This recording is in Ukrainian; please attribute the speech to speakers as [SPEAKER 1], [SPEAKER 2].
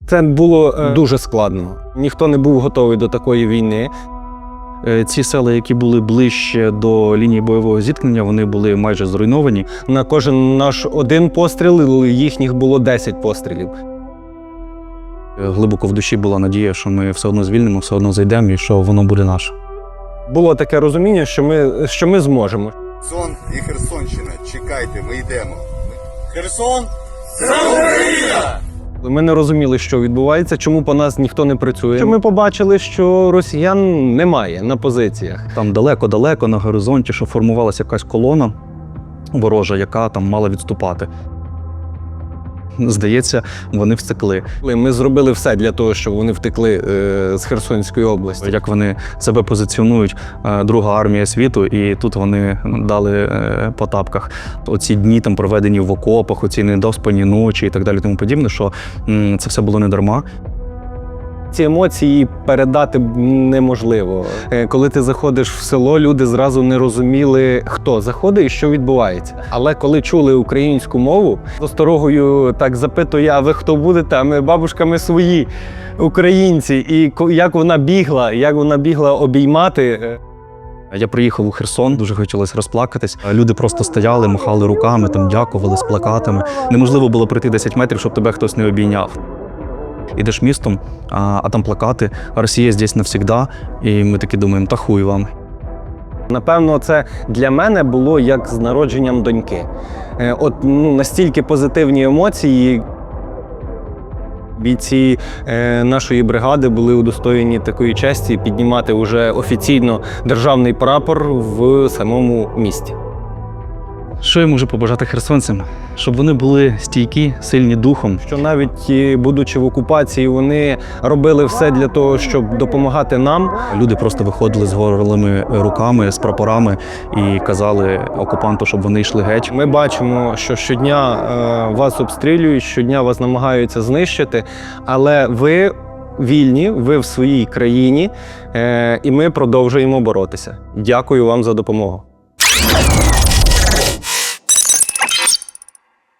[SPEAKER 1] Це було дуже складно. Ніхто не був готовий до такої війни.
[SPEAKER 2] Ці села, які були ближче до лінії бойового зіткнення, вони були майже зруйновані.
[SPEAKER 1] На кожен наш один постріл, їхніх було 10 пострілів.
[SPEAKER 2] Глибоко в душі була надія, що ми все одно звільнимо, все одно зайдемо і що воно буде наше.
[SPEAKER 1] Було таке розуміння, що ми зможемо.
[SPEAKER 3] Сон і Херсонщина, чекайте, ми йдемо.
[SPEAKER 4] Херсон – це Україна!
[SPEAKER 1] Ми не розуміли, що відбувається, чому по нас ніхто не працює. Ми побачили, що росіян немає на позиціях.
[SPEAKER 2] Там далеко-далеко на горизонті, що формувалася якась колона ворожа, яка там мала відступати. Здається, вони втекли.
[SPEAKER 1] Ми зробили все для того, щоб вони втекли з Херсонської області.
[SPEAKER 2] Як вони себе позиціонують, друга армія світу, і тут вони дали по тапках. Оці дні там проведені в окопах, оці недоспані ночі і так далі, тому подібне, що це все було не дарма.
[SPEAKER 1] Ці емоції передати неможливо. Коли ти заходиш в село, люди зразу не розуміли, хто заходить і що відбувається. Але коли чули українську мову, з осторогою так запитує, а ви хто будете? А ми бабушками свої, українці. І як вона бігла обіймати.
[SPEAKER 2] Я приїхав у Херсон, дуже хотілося розплакатись. Люди просто стояли, махали руками, там дякували з плакатами. Неможливо було пройти 10 метрів, щоб тебе хтось не обійняв. Ідеш містом, а там плакати «Росія здесь навсегда», і ми таки думаємо, та хуй вам.
[SPEAKER 1] Напевно, це для мене було як з народженням доньки. Настільки позитивні емоції. Бійці нашої бригади були удостоєні такої честі піднімати вже офіційно державний прапор в самому місті.
[SPEAKER 2] Що я можу побажати херсонцям? Щоб вони були стійкі, сильні духом.
[SPEAKER 1] Що навіть будучи в окупації, вони робили все для того, щоб допомагати нам.
[SPEAKER 2] Люди просто виходили з голими руками, з прапорами і казали окупанту, щоб вони йшли геть.
[SPEAKER 1] Ми бачимо, що щодня вас обстрілюють, щодня вас намагаються знищити, але ви вільні, ви в своїй країні, і ми продовжуємо боротися. Дякую вам за допомогу.